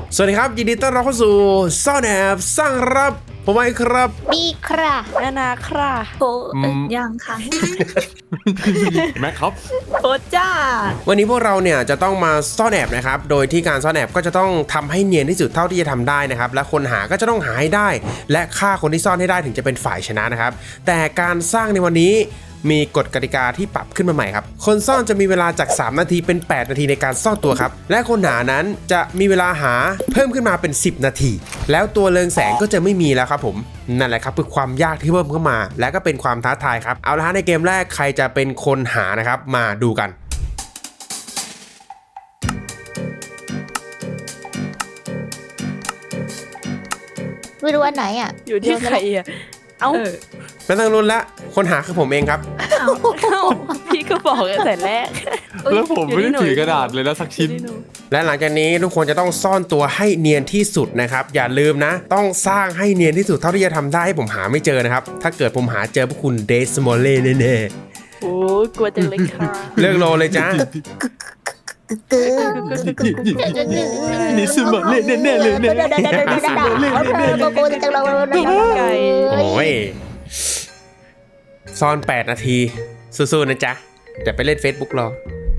สวัสดีครับยินดีต้อนรับเข้าสู่ซ่อนแอบสร้างรับผมไอ้ครับบีค่ะนานาค่ะโบยังค่ะแม็กครับโบจ้าวันนี้พวกเราเนี่ยจะต้องมาซ่อนแอบนะครับโดยที่การซ่อนแอบก็จะต้องทำให้เนียนที่สุดเท่าที่จะทำได้นะครับและคนหาก็จะต้องหาให้ได้ และฆ่าคนที่ซ่อนให้ได้ถึงจะเป็นฝ่ายชนะนะครับแต่การสร้างในวันนี้มีกฎกติกาที่ปรับขึ้นมาใหม่ครับคนซ่อนจะมีเวลาจาก3นาทีเป็น8นาทีในการซ่อนตัวครับและคนหานั้นจะมีเวลาหาเพิ่มขึ้นมาเป็น10นาทีแล้วตัวเรืองแสงก็จะไม่มีแล้วครับผมนั่นแหละครับคือความยากที่เพิ่มเข้ามาและก็เป็นความท้าทายครับเอาละฮะในเกมแรกใครจะเป็นคนหานะครับมาดูกันไม่รู้อันไหนอ่ะอยู่ที่ใครอ่ะเอ้าไม่ต้องรุนละคนหาคือผมเองครับเอ้าพี่ก็บอกตั้งแต่แรกแล้วผมไม่ได้ถือกระดาษเลยนะสักชิ้นและหลังจากนี้ทุกคนจะต้องซ่อนตัวให้เนียนที่สุดนะครับอย่าลืมนะต้องสร้างให้เนียนที่สุดเท่าที่จะทำได้ให้ผมหาไม่เจอนะครับถ้าเกิดผมหาเจอพวกคุณเดสมอลเล่แน่โอ้กลัวจังเลยค่ะๆเลิกโลเลยจ้านี่สมองเล่นแน่ๆเลยเนี่ยไก่โอ้ยซ่อน8นาทีสู้ๆนะจ๊ะเดี๋ยวไปเล่น Facebook รอ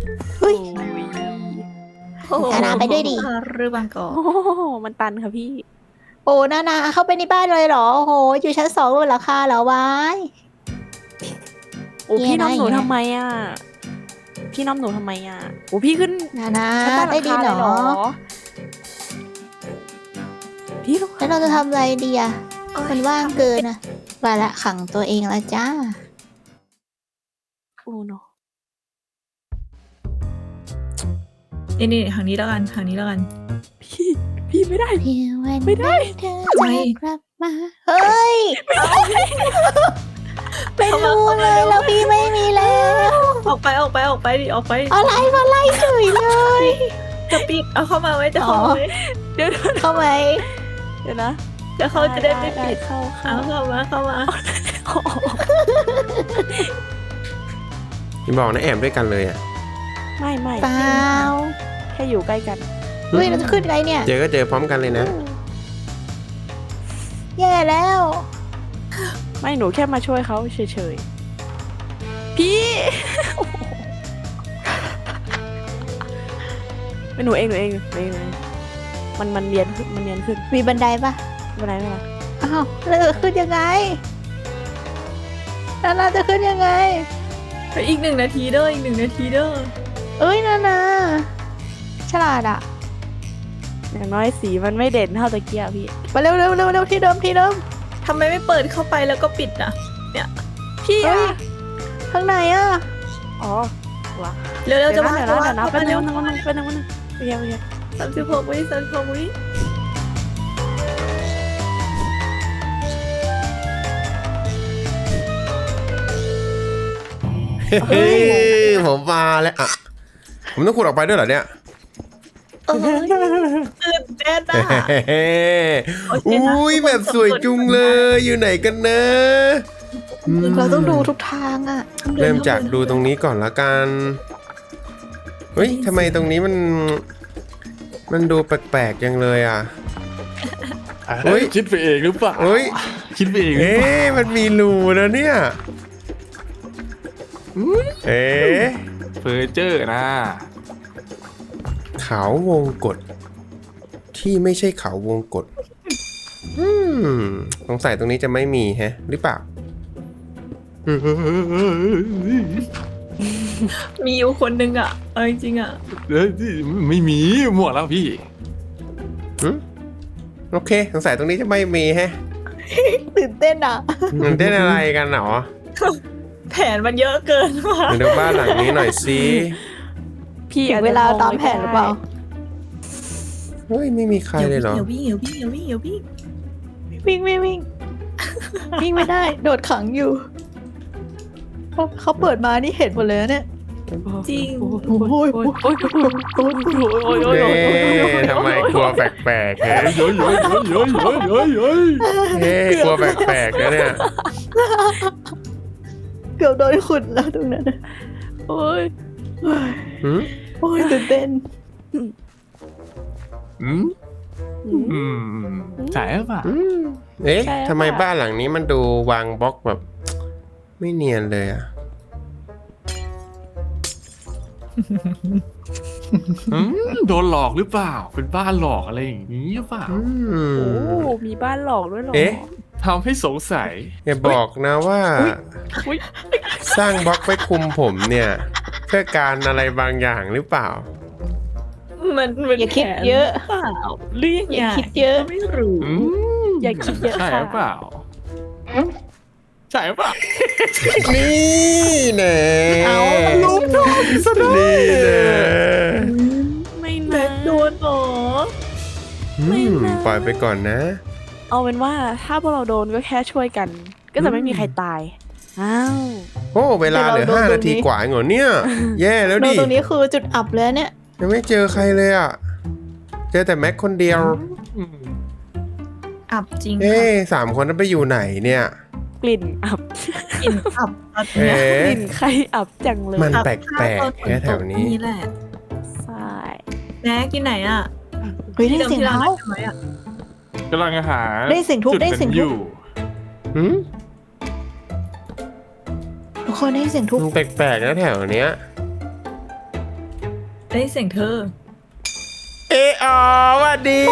นานาไปด้วยดิหรือบางกอกโอ้มันตันค่ะพี่โอ้นานาเข้าไปในบ้านเลยเหรอโอ้โหอยู่ชั้น2เลยเหรอคะเหรอวายโอ้พี่น้องหนูทำไมอ่ะพี่น้องหนูทำไมอ่ะโอ้พี่ขึ้นนานาชั้นใต้หลัได้งดีคาเหเลรยเหรออพี่ต้องแล้วเราจะทำอะไรดีอ่ะมันว่างเกินอ่ะไปละขังตัวเองละจ้าโอ้โนนี่ทางนี้แล้วกันทางนี้แล้วกันพี่ไม่ได้เพียงวันไม่ได้เธอจะกลับมาเฮ้ยไม่รู้เลยแล้วพี่ไม่มีแล้วออกไปดิออกไปอะไรมาไล่เฉยเลยจะปิดเอาเข้ามาไว้จะเข้ามาไว้เดี๋ยวเข้าไหมเดี๋ยวนะจะเข้าจะได้ไม่ปิดเข้าเอาเข้ามาอย่าบอกนะแอบด้วยกันเลยอ่ะไม่เปล่าแค่อยู่ใกล้กันเฮ้ยเราจะขึ้นไงเนี่ยเจอก็เจอพร้อมกันเลยนะแย่แล้วไม่หนูแค่มาช่วยเขาเฉยๆ พี่ เป็นหนูเองมันเนียนขึ้นมีบันไดปะไม่เป็นไรอ้าวแล้วจะขึ้นยังไงนานาจะขึ้นยังไงอีก1 นาทีเด้อเอ้ยนานาฉลาดอ่ะอย่างน้อยสีมันไม่เด่นเท่าตะเกียบพี่มาเร็วที่เดิมทำไมไม่เปิดเข้าไปแล้วก็ปิดอ่ะพี่เฮ้อะยข้างในอ่ะอ๋อวะเร็วๆจะมาเดี๋ยวนะเป็นนึงโอเค 36 วิเฮ้ยผมมาแล้วอ่ะผมต้องขุดออกไปด้วยเหรอเนี่ยตื่นเต้นอ่ะเฮ้โอเคนะอุ้ยแบบสวยจุงเลยอยู่ไหนกันนะอืมเราต้องดูทุกทางอ่ะเริ่มจากดูตรงนี้ก่อนละกันเฮ้ยทำไมตรงนี้มันดูแปลกๆจังเลยอ่ะ เฮ้ยคิดไปเองหรือเปล่าเฮ้ยคิดไปเองหรือเอ๊เปล่าะมันมีรูนะเนี่ยเอ๊ะเฟอร์เจอร์นะเขาวงกฏที่ไม่ใช่เขาวงกฏสงสัยตรงนี้จะไม่มีแฮะ หรือเปล่ามีอยู่คนนึงอ่ะเอาจริงๆอ่ะไม่มีหมดแล้วพี่โอเคสงสัยตรงนี้จะไม่มีแฮะตื่นเต้นอ่ะมันเต้นอะไรกันหรอแผนมันเยอะเกินว่ะมาดูบ้านหลังนี้หน่อยสิพี่ถึงเวลาตามแผนหรือเปล่าเฮ้ยไม่มีใครเลยเหรออย่าวิ่งวิ่งไม่ได้ โดดขังอยู่เขาเปิดมานี่เห็นหมดเลยนะเนี่ยจริงโอ้ยเอ๊ะทำไมกลัวแปลกๆฮะเย้ยเอ๊ะกลัวแปลกๆนะเนี่ยเกือบโดนขุดแล้วตรงนั้นน่ะโอ้ยหืมโอ้ยตื่นเต้นอืมอืมใช่หรือเปล่าเอ๊ะใช่หรือเปล่าทำไมบ้านหลังนี้มันดูวางบล็อกแบบ ไม่เนียนเลยอ่ะโดนหลอกหรือเปล่า เป็นบ้านหลอกอะไรอย่างนี้หรือเปล่าโอ้มีบ้านหลอกด้วยเหรอเอ๊ะทำให้สงสัยอย่าบอกนะว่าอุ๊ยสร้างบล็อกไว้คุมผมเนี่ย เพื่อการอะไรบางอย่างหรือเปล่ามันอย่าคิดเยอะเปล่าเรื่องอย่าคิดเยอะไม่รู้อืมอย่าคิดเยอะใช่ค่ะหรือเปล่า ใช่หรือเปล่านี่แน่เอาลูกทองซะด้วยนี่แน่ไม่แบนะบโดนเหรอปล่อยไปก่อนนะเอาเป็นว่าถ้าพวกเราโดนก็แค่ช่วยกัน ก็จะไม่มีใครตาย อ้าวโอ้เวลาเหลือ 5 นาทีกว่าเองเหรอเนี่ย แย่แล้วโดนดิตรงนี้คือจุดอับเลยเนี่ยยังไม่เจอใครเลยอ่ะ เจอแต่แม็กคนเดียวอับจริงเอ๊ค่ะสามคนนั้นไปอยู่ไหนเนี่ยกลิ่นอับกลิ่นอับตอนเอ๊เนี้ยกลิ่นใครอับจังเลยมันอับแปลกตอนๆแค่แถวนี้นี่แหละใช่แน็กอยู่ไหนอ่ะเฮ้ยได้เสียงที่เท้านัดกันไว้อะกำลังหาได้เสียงทุบจุได้เสียงทุบนั้นอยู่หืมทุกคนได้เสียงทุบมันแปลกๆนะแถวเนี้ยได้เสียงเธอเอะอ๋อหวัดดี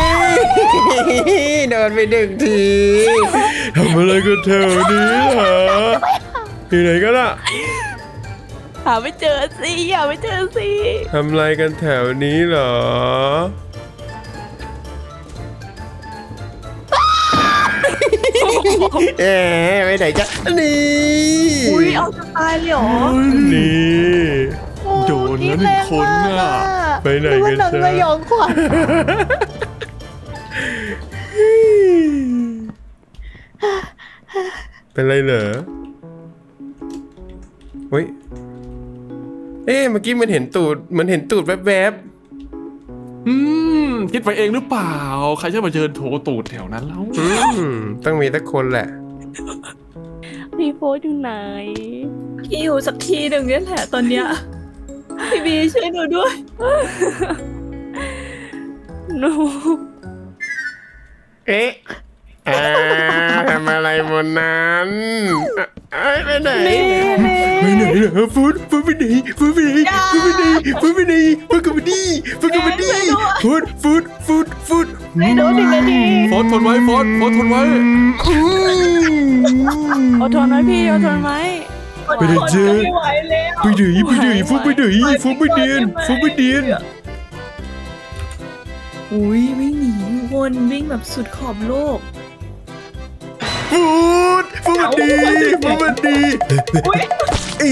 โดนไป1 ทีทำอะไรกันแถวนี้เหรออยู่ไหนกันล่ะหาไม่เจอสิหาไม่เจอสิทำอะไรกันแถวนี้เหรอ เอ๊ะไปไหนจ๊ะนี่อุ้ยเอาจะตายเลยเหรอนี่โดนแล้วหนึ่งคนน่ะไปไหนดูกัว่าน หนังจ๊ะสยองขวัญเป็นไรเหรอเฮ้ย เอ๊ะเมื่อกี้มันเห็นตูดแวบคิดไปเองหรือเปล่า ใครจะมาเชิญโถตูดแถวนั้นแล้วๆต้องมีสักคนแหละพี่โพสอยู่ไหนพี่อยู่สักทีหนึ่งเนี่ยแหละตอนเนี้ยพี่บีช่วยหนูด้วยหนูเอ๊ะทำอะไรบนนั้นเอ้ยไปไหนไปไหนเหรอฟุตไปไหนฟุตไปไหนฟุตไปไหนฟุตไปไหนฟุตกับมาดีฟุตกับมาดีฟุตไม่โดน1 นาทีโฟนทนไว้โฟนทนไว้อดทนไว้พี่อดทนไว้ไปไหนเจ๊ไม่ไหวแล้วไปไหนฟุตไปไหนฟุตไปเดียนฟุตไปเดียนอุ้ยวิ่งหนีวนวิ่งแบบสุดขอบโลกฟุตดีอี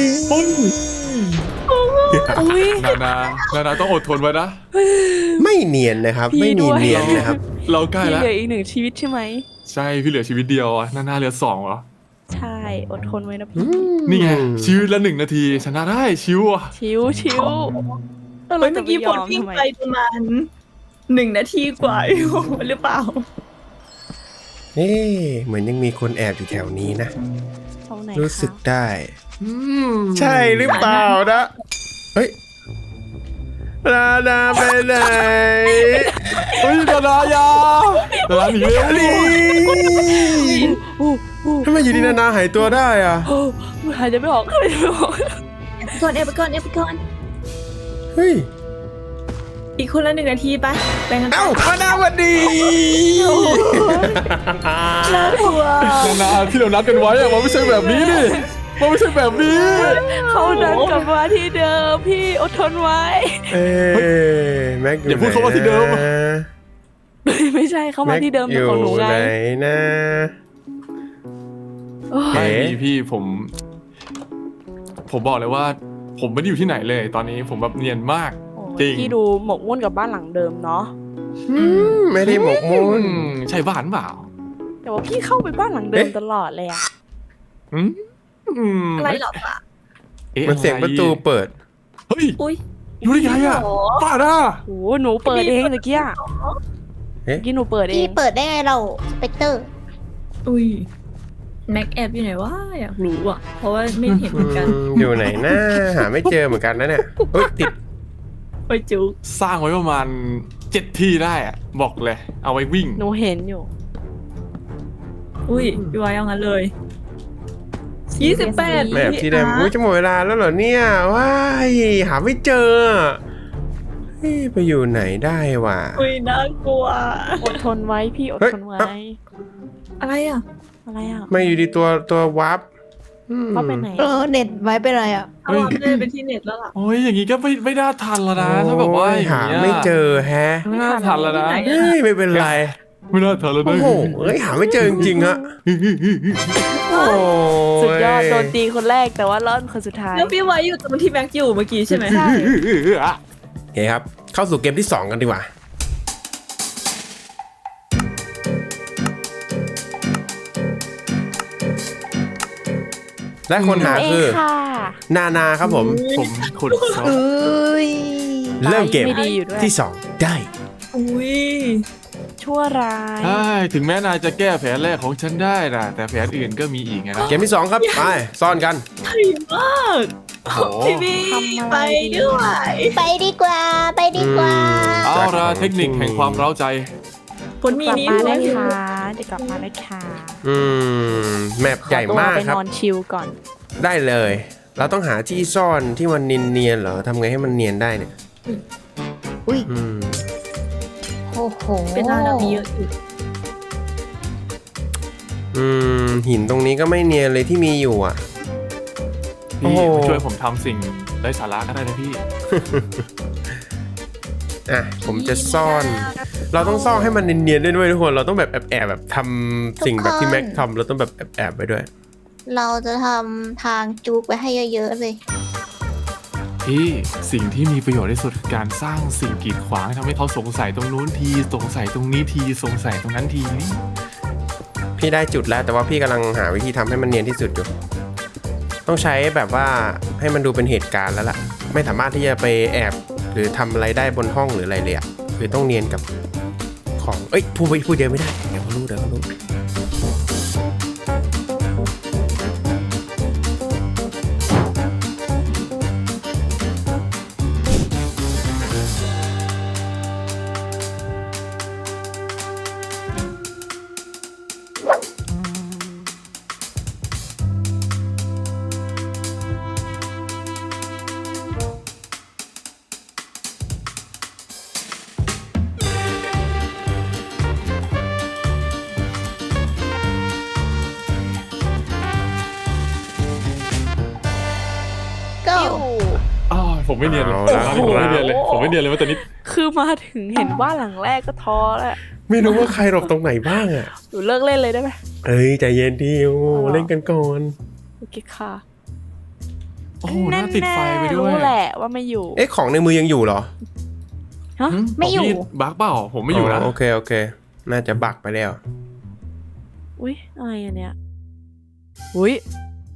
อุ้ยนาต้องอดทนไว้นะไม่เนียนนะครับพี่ไม่มีด้วยเนียนนะครับเราใกล้พี่แล้วเหลืออีก1 ชีวิตใช่ไหมใช่พี่เหลือชีวิตเดียวอะนาเหลือ2เหรอใช่อดทนไว้นะพี่นี่ไงชีวิตละ1 นาทีชนะได้ชิวอ่ะชิวแล้วเฮ้เรายจะเมื่อไปกี้ยผอลมวิ่งทำไมไปประมาณ1 นาทีกว่าหรือเปล่าเอ๊ะเหมือนยังมีคนแอบอยู่แถวนี้นะตรงไหนรู้สึกคะได้ ใช่หรือเปล่านะ เฮ้ยลาดาไปไหนเฮ้ยนาหนีเร็วนี่อู้อู้ทำไมอยู่ดีนาหายตัวได้อ่ะโอ้หายใจไม่ออกหายใจไม่ออกเอฟไปก่อนเฮ้ยอีกคนละ1 นาทีไปแบ่งกันเอ้ามาดาวันดีน่ากลัวนาที่เรานัดกันไว้อะมันไม่ใช่แบบนี้นี่มันไม่ใช่แบบนี้เขาเดินกลับมาที่เดิมพี่อดทนไว้เอ้แม็กอย่าพูดคำว่าที่เดิมไม่ใช่เขามาที่เดิมแต่ของหนูไงแม็กอยู่ไหนนะโอ้ยเอ๊ะไม่มีพี่ผมบอกเลยว่า ผมไม่ได้อยู่ที่ไหนเลย ตอนนี้ผมแบบเนียนมาก จริงพี่ดูหมกมุ่นกับบ้านหลังเดิมเนาะไม่ได้หมกมุ่นใช่บ้านเปล่าแต่ว่าพี่เข้าไปบ้านหลังเดิมเอ๊ะตลอดเลยอะอืมอะไรหรอปะอ๊มันเสียงประตูเปิดเฮ้ยอุ้ยรู้ได้ไงอะป้าด่าโอ้หนูเปิดเองตะกี้อะเอ๊ะเมื่อกี้หนูเปิดเอพี่งเปิดได้ไงเราสเปกเตอร์อุ้ยแม็กแอบอยู่ไหนวะอยากรู้อ่ะ เพราะว่าไม่เห็นเหมือนกันอยู่ไหนนะหาไม่เจอเหมือนกันนะเนี่ยเฮ้ยติดไปจุกสร้างไว้ประมาณ 7 ที่ได้อะบอกเลย เอาไว้วิ่งหนูเห็นอยู่อุ้ยพี่ไว้เอางั้นเลย28 แมปที่เดิมอุ้ยจะหมดเวลาแล้วเหรอเนี่ยว้ายหาไม่เจอเฮ้ยไปอยู่ไหนได้วะอุ้ยน่ากลัวอดทนไว้พี่อดทนไว้อะไรอ่ะอะไรอ่ะไม่อยู่ดีตัววับอืมเขาไปไหนเน็ตไว้เป็นไรอ่ะเอาอัปเดตเป็นที่เน็ตแล้วล่ะโอ้ยอย่างงี้ก็ไม่น่าทันแล้วนะถ้าแบบว่าโอ้ยอย่างหาเงี้ยไม่เจอแฮะไม่น่าทันแล้วนะเฮ้ยไม่เป็นไรไม่น่าทันแล้วโอ้นะโหเอ้ยหาไม่เจอจริงๆฮะโอ้สุดยอดโดนตีคนแรกแต่ว่ารอดคนสุดท้ายแล้วพี่ไว้อยู่ตรงที่แม็กอยู่เมื่อกี้ใช่ไหมใช่โอเคครับ เข้าสู่เกมที่ 2 กันดีกว่า และคนหาคือเงค่ะนาครับผมผมขุดซอสเอ้ยเริ่มเกมไม่ดีอยู่ด้วยที่ 2 ได้อุ้ยชั่วร้ายใช่ถึงแม้นายจะแก้แผนแรกของฉันได้นะแต่แผนอื่นก็มีอีกไงนะเกมที่ 2 ครับ ไป ซ่อนกันไทยมากโอ้โหพี่บีไปด้วยไปดีกว่า ไปดีกว่าเอาละเทคนิคแห่งความเร้าใจคนมีกลับนี้มาด้วได้ยค่ะเดี๋ยวกลับมาได้ค่ะแมปใหญ่มากขอตัวไปครับนอนชิลก่อนได้เลย เราต้องหาที่ซ่อนที่มันเนียนๆเหรอทำไงให้มันเนียนได้เนี่ยอุ้ยอืมโอ้โหเป็นร้านเรามีเยอะอยู่หินตรงนี้ก็ไม่เนียนเลยที่มีอยู่อ่ะ โอ้พี่โหมาช่วยผมทำสิ่งไร้สาระก็ได้นะพี่อ่ะผมจะซ่อน เราต้องซ่อนให้มันเนียนๆด้วยทุกคน เราต้องแบบแอบๆแบบทำสิ่งแบบที่แม็กทำเราต้องแบบแอบๆไปด้วยเราจะทำทางจูกไว้ให้เยอะๆเลยพี่สิ่งที่มีประโยชน์ที่สุดคือการสร้างสิ่งกีดขวางทำให้เขาสงสัยตรงนู้นทีสงสัยตรงนี้ทีสงสัยตรงนั้นทีนี่พี่ได้จุดแล้วแต่ว่าพี่กำลังหาวิธีทำให้มันเนียนที่สุดอยู่ ต้องใช้แบบว่าให้มันดูเป็นเหตุการณ์แล้วล่ะ ไม่สามารถที่จะไปแอบหรือทำอะไรได้บนห้องหรืออะไรเลยอะคือต้องเนียนกับของเอ้ยพูดเยอะไม่ได้เดี๋ยวเขารู้ก็อ้าวผมไม่เนียนเลยเอาละผมไม่เนียนเลยผมไม่เนียนเลยว่าตอนนี้คือมาถึงเห็นบ้านหลังแรกก็ท้อแล้วไม่รู้ว่าใครหลบตรงไหนบ้างอะหนูเลิกเล่นเลยได้ไหมเอ้ยใจเย็นดิโอ้เล่นกันก่อนโอเคค่ะโอ้โหน่าติดไฟไปด้วยรู้แหละว่าไม่อยู่เอ๊ะของในมือยังอยู่เหรอฮะไม่อยู่ขงพี่บักเปล่าผมไม่อยู่นะโอเคน่าจะบักไปแล้วอุ้ยอะไรอันเนี้ยอุ้ย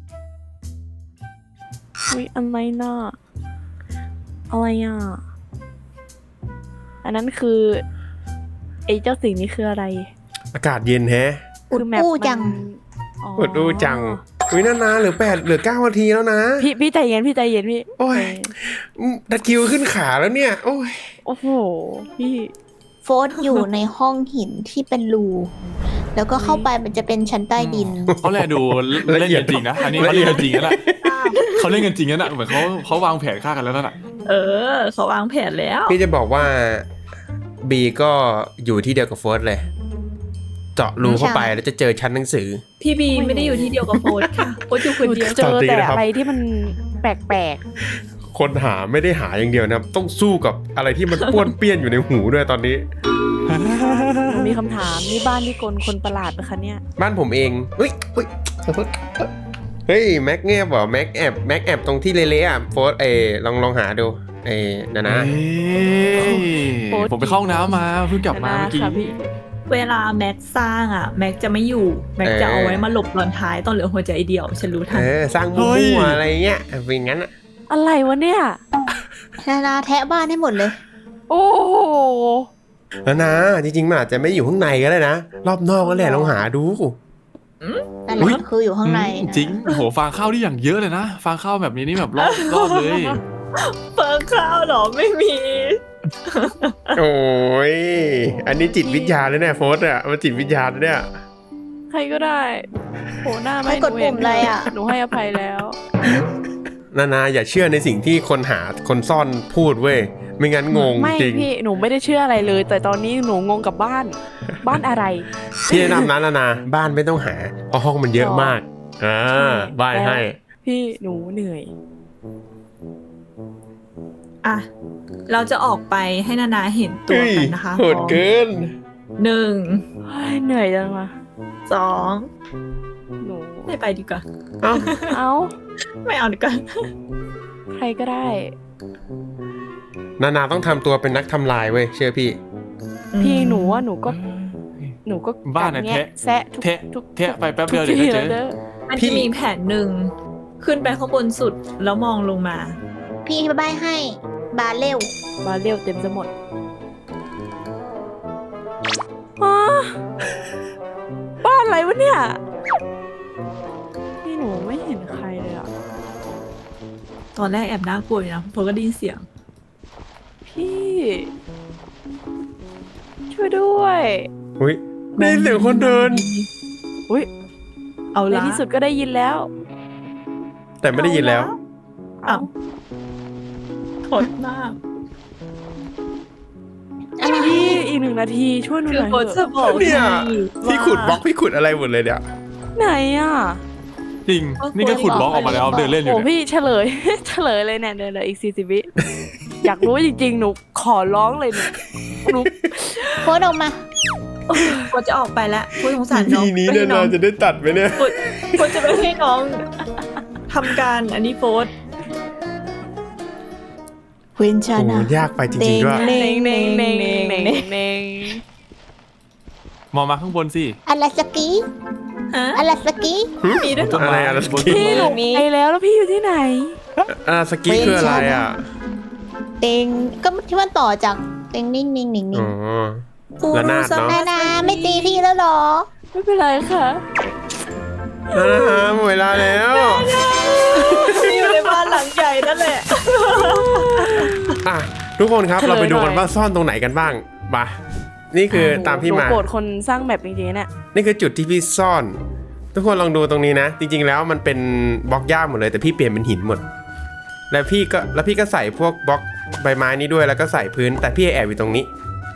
อะไรน่ะอะไรอ่ะอันนั้นคือไอ้เจ้าสิ่งนี้คืออะไรอากาศเย็นแฮะคือแมปอู้มันจังอ๋ออดดูจังอุ้ยนานๆเหลือ9 นาทีแล้วนะพี่ใจเย็นพี่ใจเย็นพี่โอ้ยใจเย็นตะคริวขึ้นขาแล้วเนี่ย โอ้ยโอ้โหพี่โฟร์อยู่ในห้องหินที่เป็นรู แล้วก็เข้าไปมันจะเป็นชั้นใต้ดินเขาแลดูเล่นกันจริงนะอันนี้เขาเล่นกันจริงนะเขาเล่นกันจริงนะเหมือนเขาวางแผนฆ่ากันแล้วนั่นแหละเขาวางแผนแล้วพี่จะบอกว่าบีก็อยู่ที่เดียวกับโฟร์เลย เจาะรูเข้าไปแล้วจะเจอชั้นหนังสือพี่บีไม่ได้อยู่ที่เดียวกับโฟนค่ะโฟนอยู่คนเดียวเจอสวัสดีแต่นะครับอะไรที่มันแปลกคนหาไม่ได้หาอย่างเดียวนะครับ ต้องสู้กับอะไรที่มันป้วนเปี้ยนอยู่ในหูด้วยตอนนี้ๆหนูมีคำถามนี่บ้านที่กลคนประหลาดปะคะเนี่ยบ้านผมเองเฮ้ยเฮ้ยแม็กเงียบเหรอแม็กแอบตรงที่เละๆอ่ะโฟร์ลองหาดูนะผมไปเข้าห้องน้ำมาเพิ่งกลับมาเมื่อกี้ค่ะพี่เวลาแม็กสร้างอ่ะ แม็กจะไม่อยู่ แม็กจะเอาไว้มาหลบตอนท้ายตอนเหลือหัวใจเดียว ฉันรู้ทันสร้างมั่วๆอะไรเงี้ยเป็นงั้นอ่ะอะไรวะเนี่ยนาแทะบ้านให้หมดเลยโอ้โหแล้วนะจริงๆมันอาจจะไม่อยู่ข้างในก็ได้นะรอบนอกก็แหละลองหาดูนั่นแหละคืออยู่ข้างในนะจริงโอ้โหฟางข้าวที่อย่างเยอะเลยนะฟางข้าวแบบนี้นี่แบบรอบเลยเปิงข้าวเหรอไม่มีโอ้ยอันนี้จิตวิทยาเลยเนี่ยโฟสอะมันจิตวิทยาเลยเนี่ยใครก็ได้โผล่หน้าไม่ไม่กดปุ่มอะไรอะหนูให้อภัยแล้วนาอย่าเชื่อในสิ่งที่คนหาคนซ่อนพูดเว้ยไม่งั้นงงไม่จริงพี่หนูไม่ได้เชื่ออะไรเลย แต่ตอนนี้หนูงงกับบ้าน บ้านอะไรพี่แนะนำนะนาบ้านไม่ต้องหาเพราะห้องมันเยอะมากบ้านให้พี่หนูเหนื่อยอ่ะ เราจะออกไปให้นานาเห็นตัวกันนะคะโหดเกินหนึ่งเฮ้ยเหนื่อยจังวะสองหนูไม่ไปดีกว่าเอ้าเอ้าไม่เอาดีกว่าใครก็ได้นาต้องทำตัวเป็นนักทำลายเว้ยเชื่อพี่พี่หนูว่าหนูก็บ้านน่ะกัดแงแทะแซะทุกแทะทุกแทะไปแป๊บเดียวทุเดี๋กยวก็ทีเจอแล้วเด้อมันพี่จะมีแผนหนึ่งขึ้นไปข้างบนสุดแล้วมองลงมาพี่ใบให้บาเร็วมาเรียวเต็มจะหมดอ๋อบ้านอะไรวะเนี่ยพี่หนูไม่เห็นใครเลยอ่ะตอนแรกแอบน่ากลัวอยู่นะเพราะก็ได้ยินเสียงพี่ ช่วยด้วยอุ้ยได้ยินเสียงคนเดินอุ้ยเอาในละที่สุดก็ได้ยินแล้วแต่ไม่ได้ยินแล้วอ้าวโหดมากพี่อีก1 นาทีช่วยหนูคืหอน่อยโหดเถจะอะบอกเนี่ยให้พี่ขุดบล็อกพี่ขุดอะไรหมดเลยเนี่ยไหนอ่ะจริง นี่ก็ขุดบล็อกออกมาแล้วเดินเล่นอยู่โอ้เนี่ยพี่เฉลย เฉลยเลยเนี่ยเดี๋ยวอีก40 วิอยากรู้จริงๆหนูขอร้องเลยหนูโพสต์ออกมาโหดจะออกไปแล้วพูดสงสารน้องทีนี้ไม่ให้น้นาองจะได้ตัดไหมเนี่ยโหดจะไปให้น้องทำการอันนี้โฟสควินชาโอ้นะยากไปจริงๆด้วยเน่งเน่งเน่งเน่งเน่งมองมาข้างบนสิอะไรสกีฮะอะไรสกีมีด้วยเหรออะไรอะไรบนพี่หนูไปแล้วพี่อยู่ที่ไหนสกีคืออะไรอ่ะเต็งก็ที่มันต่อจากเต็งนิ่งนิ่งนิ่งนิ่อ๋งอ ระนาดเนอะนานาไม่ตีพี่แล้วเหรอไม่เป็นไรค่ะหมดเวลาแล้วอยู่ในบ้านหลังใหญ่นั่นแหละอ่ะทุกคนครับเฉลยเราไปดูกันหน่อยว่าซ่อนตรงไหนกันบ้างมานี่คือตามที่หนูมาโกรธคนสร้างแมปจริงๆเนี่ยนี่คือจุดที่พี่ซ่อน ทุกคนลองดูตรงนี้นะ จริง ๆ แล้วมันเป็นบล็อกหญ้าหมดเลยแต่พี่เปลี่ยนเป็นหินหมด แล้วพี่ก็ใส่พวกบล็อกใบไม้นี้ด้วยแล้วก็ใส่พื้น แต่พี่แอบอยู่ตรงนี้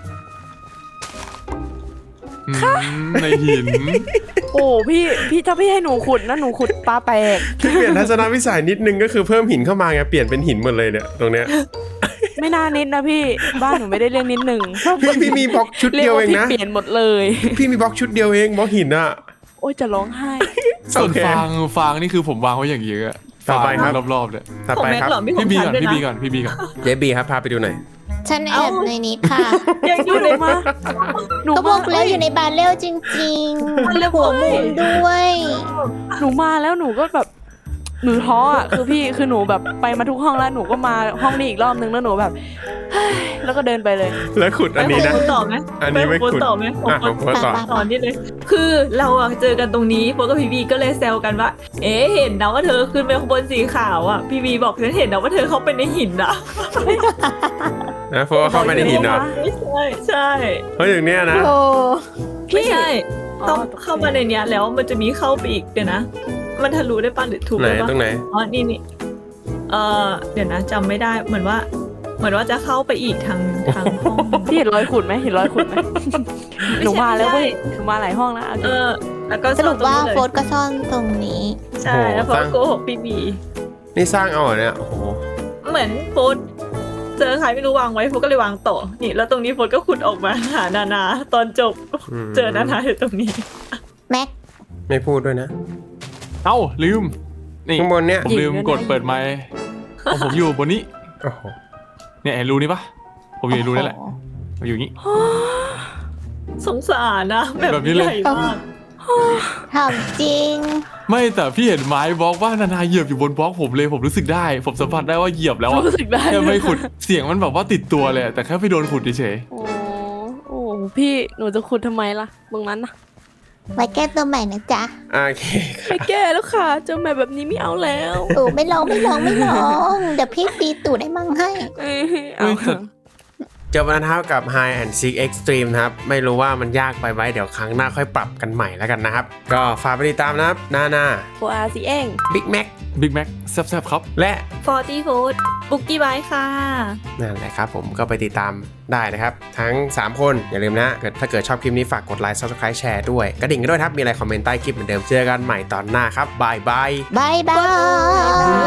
ในหินโอ้พี่ถ้าพี่ให้หนูขุดนะหนูขุดตาแตกพี่เปลี่ยนทัศนวิสัยนิดนึงก็คือเพิ่มหินเข้ามาไงเปลี่ยนเป็นหินหมดเลยเนี่ยตรงเนี้ยไม่น่านิดนะพี่บ้านหนูไม่ได้เล่นนิดหนึ่งพี่มีบล็อกชุดเรียเดีกยวว่าเองพี่นะเปลี่ยนหมดเลยพี่มีบล็อกชุดเดียวเองบล็อกหินอะโอ้ยจะร้องไห้ส่วนโอเคฟางนี่คือผมวางไว้อย่างเยอะต่อไปครับรอบๆเลยต่อของไปแม็กครับเหรอมีของพี่บีฉันก่อนด้วยพี่นะบีก่อนพี่บีก่อนเจบีครับพาไปดูหน่อยฉันแอบในนี้ค่ะยังอยู่ในมาหนูก็บอกแล้วอยู่ในบาเร็วจริงๆหัวมุมด้วยหนูมาแล้วหนูก็แบบหนูท้ออ่ะคือหนูแบบไปมาทุกห้องแล้วหนูก็มาห้องนี้อีกรอบนึงแล้วหนูแบบเฮ้ยแล้วก็เดินไปเลยแล้วขุดอันนี้นะไปของคุณต่อไหมอันนี้ไม่ปของขุดคุณต่อไหมของอ่ะคุของโพสต์ต่อตอนนี้เลย คือเราอะเจอกันตรงนี้โฟกับพี่บีก็เลยแซวกันว่า เอ๊ะเห็นนะว่าเธอขึ้นไปข้างบนสีขาวอะพี่บีบอกฉันเห็นนะว่าเธอเข้าไปในหินอะนะเพราะว่าเข้าไปในหินเหรอไม่ใช่ใช่เพราะอย่างเนี้ยนะโอ้ไม่ใช่ต้องอ๋อเข้ามาในเนี้ยแล้วมันจะมีเข้าไปอีกเดี๋ยวนะ มันทะลุได้ป่ะหรือถูกไหนได้ป่ะตรงไหนอ๋อนี่เดี๋ยวนะจำไม่ได้เหมือนว่าจะเข้าไปอีกทางห้องพี่เห็นรอยขุดไหมเห็นรอยขุดไหมไม่ใช่หนูมาแล้วเว้ยไม่ใช่หนูมาหลายห้องแล้วเอาจริงแล้วก็สรุปว่าซ่อนตงนี้เลยโฟสต์ก็ซ่อนตรงนี้ใช่แล้วโฟโอ้สโหโกหกพี่บีนี่สร้างเอาเหรอเนี่ยโอ้โหเหมือนโฟสเจอใครไม่รู้วางไว้โฟสก็เลยวางต่อนี่แล้วตรงนี้โฟสก็ขุดออกมาหานานาตอนจบ เจอนานาอยู่ตรงนี้แม็กไม่พูดด้วยนะเอ้าลืมนี่ข้างบนเนี่ยผมลืมกดเปิดไมค์ของผมอยู่บนนี้โอ้โหเนี่ยเห็นรูนี่ปะผมอยู่ในรูนี่แหละผมอยู่อย่างนี้สงสารนะแบบแบบนี้เลยใหญ่มากถามจริงไม่แต่พี่เห็นไม้บล็อกว่านานาเหยียบอยู่บนบล็อกผมเลยผมรู้สึกได้ ผมสัมผัสได้ว่าเหยียบแล้วอะรู้สึกได้แค่ไม่ขุดเสียงมันแบบว่าติดตัวเลยแต่แค่ไปโดนขุดเฉยโอ้โอ้พี่หนูจะขุดทำไมล่ะตรงนั้นนะไว้แก้ตัวใหม่นะจ๊ะโอเคไม่แก้แล้วค่ะเจอแมปแบบนี้ไม่เอาแล้วโอ้ไม่ลอง เดี๋ยวพี่ตีตูดให้มั่งให้เอ้ยๆเอาเฮ้ยจบแล้วนะครับกับ Hide and Seek Extreme นะครับไม่รู้ว่ามันยากไปไหมเดี๋ยวครั้งหน้าค่อยปรับกันใหม่แล้วกันนะครับก็ฝากไปติดตามนะครับหน้าโฟอาซีเอง Big Mac บิ๊กแม็กแซ่บๆครับและ 40 Food บุกกี้ไบค่ะนั่นแหละครับผมก็ไปติดตามได้นะครับทั้ง 3 คนอย่าลืมนะถ้าเกิดชอบคลิปนี้ฝากกดไลค์ Subscribe แชร์ด้วยกระดิ่งกันด้วยครับมีอะไรคอมเมนต์ใต้คลิปเหมือนเดิมเจอกันใหม่ตอนหน้าครับบายบายบายบาย